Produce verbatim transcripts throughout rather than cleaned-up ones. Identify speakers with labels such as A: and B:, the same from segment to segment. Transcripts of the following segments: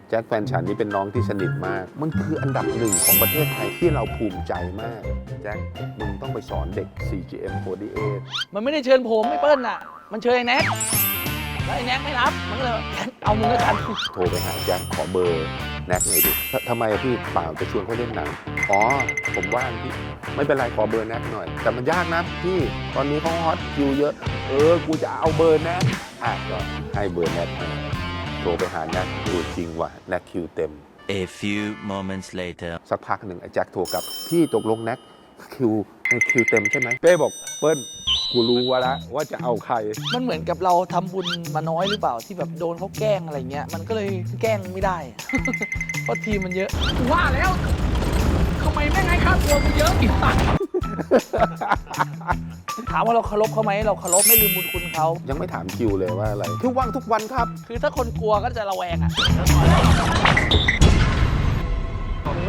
A: แจ็คแฟนฉันนี่เป็นน้องที่สนิทมากมันคืออันดับหนึ่งของประเทศไทยที่เราภูมิใจมากแจ็คมึงต้องไปสอนเด็ก ซี จี เอ็ม โฟร์ตี้เอท
B: มันไม่ได้เชิญผมไม่เปิ้ลน่ะมันเชิญไอ้แน็กแล้วไอ้แน็กไม่รับมันก็เลยเอามึงแล้วกัน
A: โทรไปหาแจ็คขอเบอร์แน็กหน่อยดิทำไมพี่เปล่าจะชวนเขาเล่นหนังอ๋อผมว่างพี่ไม่เป็นไรขอเบอร์แน็กหน่อยแต่มันยากนะพี่ตอนนี้เขาฮอตคิวเยอะเออกูจะเอาเบอร์แน็กอ่ะก็ให้เบอร์แน็กมาโทรไปหาแน็กดูจริงว่ะแน็กคิวเต็ม
C: A few moments later
A: สักพักหนึ่งไอ้แจ็คโทรกลับพี่ตกลงแน็กคิวคิวเต็มใช่ไหมเป้บอกเปิ้ลกูรู้ว่าละว่าจะเอาใคร
B: มันเหมือนกับเราทำบุญมาน้อยหรือเปล่าที่แบบโดนเขาแกล้งอะไรเงี้ยมันก็เลยแกล้งไม่ได้ เพราะทีมมันเยอะว่าแล้วทำไมแม่งให้ค่าตัวมันเยอะอีกตังถามว่าเราเคารพเขาไหมเราเคารพไม่ลืมบุญคุณเขา
A: ยังไม่ถามคิวเลยว่าอะไรคือว่างทุกวันครับ
B: คือถ้าคนกลัวก็จะระแวงอ่ะโอ้โห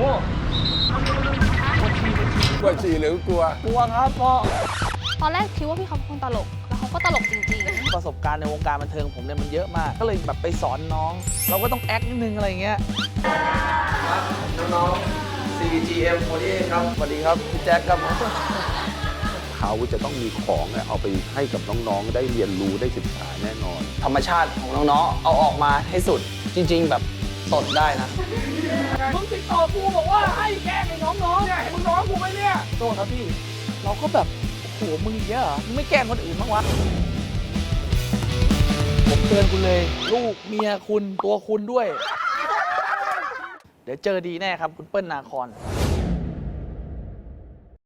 A: กลัวฉี่หรือกลัว
B: กลัวครับพ่อ
D: ตอนแรกคิดว่าพี่เขาเป็นคนตลก แล้วเขาก็ตลกจริงๆ
B: ประสบการณ์ในวงการบันเทิงผมเนี่ยมันเยอะมากก็เลยแบบไปสอนน้อง เราก็ต้องแอคนิดนึงอะไรเงี้ยน้องๆ ซี จี เอ็ม โฟร์ตี้เอท ครับสวัสดีครับพี่แจ็คครับ
A: เขาจะต้องมีของเนี่ยเอาไปให้กับน้องๆได้เรียนรู้ได้ศึกษาแน่นอน
B: ธรรมชาติของน้องๆ เอาออกมาให้สุดจริงๆ แบบสดได้นะมึงติดต่อกูบอกว่าให้แกล้งไอ้น้องๆเนี่ยมึงน้องกูไหมเนี่ยโทษครับพี่เราก็แบบโอ้โหมึงเยอะเหรอมึงไม่แกล้งคนอื่นบ้างวะผมเตือนคุณเลยลูกเมียคุณตัวคุณด้วย เดี๋ยวเจอดีแน่ครับคุณเปิ้ลนาคอน